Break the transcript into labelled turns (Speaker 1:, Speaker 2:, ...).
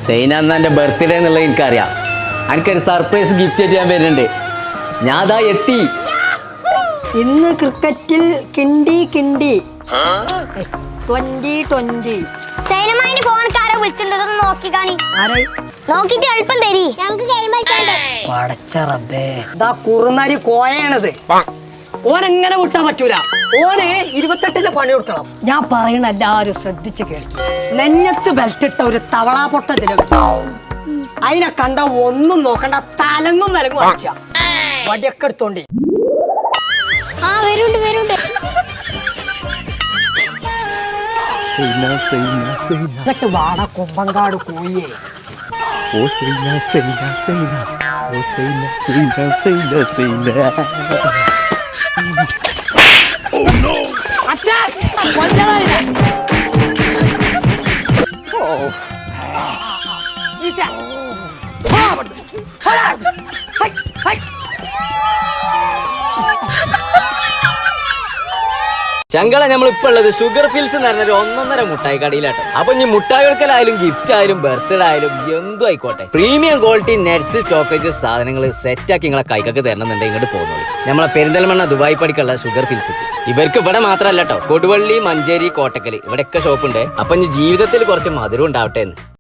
Speaker 1: സൈന എന്നാ എൻ്റെ ബർത്ത്ഡേ എന്നുള്ളത് എനിക്കറിയാം. എനിക്കൊരു സർപ്രൈസ് ഗിഫ്റ്റ് ആയിട്ട് ഞാൻ വരുന്നുണ്ട്. ഞാൻ അതാ എത്തി.
Speaker 2: ഇന്ന് ക്രിക്കറ്റിൽ കിണ്ടി 2020
Speaker 3: സൈനമായിന് ഫോൺക്കാരെ വിളിച്ചിട്ടുണ്ടെന്ന് നോക്കി കാണി. നോക്കിട്ട് എളുപ്പം തരി, ഞങ്ങൾക്ക് ഗെയിം കളിക്കാണ്ട്.
Speaker 2: പടച്ച റബ്ബേ, ഇതാ കുറുനരി കോയാണത്. ഓനെങ്ങനെ വിട്ടാൻ പറ്റൂല. ഓന് 28-ന്റെ പണി കൊടുക്കണം. ഞാൻ പറയണ എല്ലാരും ശ്രദ്ധിച്ച് കേൾക്കി. നെഞ്ഞത്ത് ബെൽറ്റ് ഇട്ട ഒരു തവളാ പൊട്ടത്തില് അതിനെ കണ്ട ഒന്നും നോക്കണ്ട, തലങ്ങും വിലങ്ങും അടിച്ച വടിയൊക്കെ എടുത്തോണ്ടി.
Speaker 3: ആ വരുണ്ട്
Speaker 2: എന്നിട്ട് വാട കൊമ്പങ്കാട് കോയേ.
Speaker 1: ചങ്കള നമ്മളിപ്പോ ഉള്ളത് ഷുഗർ ഫിൽസ് എന്ന് പറഞ്ഞൊരു 1.5 മുട്ടായി കടയിലാട്ടോ. അപ്പൊ ഇനി മുട്ടായി കൊടുക്കലായാലും ഗിഫ്റ്റ് ആയാലും ബർത്ത്ഡേ ആയാലും എന്തും ആയിക്കോട്ടെ, പ്രീമിയം ക്വാളിറ്റി നട്ട്സ് ചോക്ലേറ്റ് സാധനങ്ങൾ സെറ്റാക്കി നിങ്ങളെ കൈക്കൊക്കെ തരണമെന്നുണ്ടെങ്കിൽ ഇങ്ങോട്ട് പോകുന്നത് നമ്മളെ പെരിന്തൽമണ്ണ ദുബായ് പടിക്കുള്ള ഷുഗർ ഫിൽസ്. ഇവർക്ക് ഇവിടെ മാത്രമല്ല കേട്ടോ, കൊടുവള്ളി, മഞ്ചേരി, കോട്ടക്കൽ ഇവിടെയൊക്കെ ഷോപ്പുണ്ട്. അപ്പൊ ഇനി ജീവിതത്തിൽ കുറച്ച് മധുരം ഉണ്ടാവട്ടെ എന്ന്.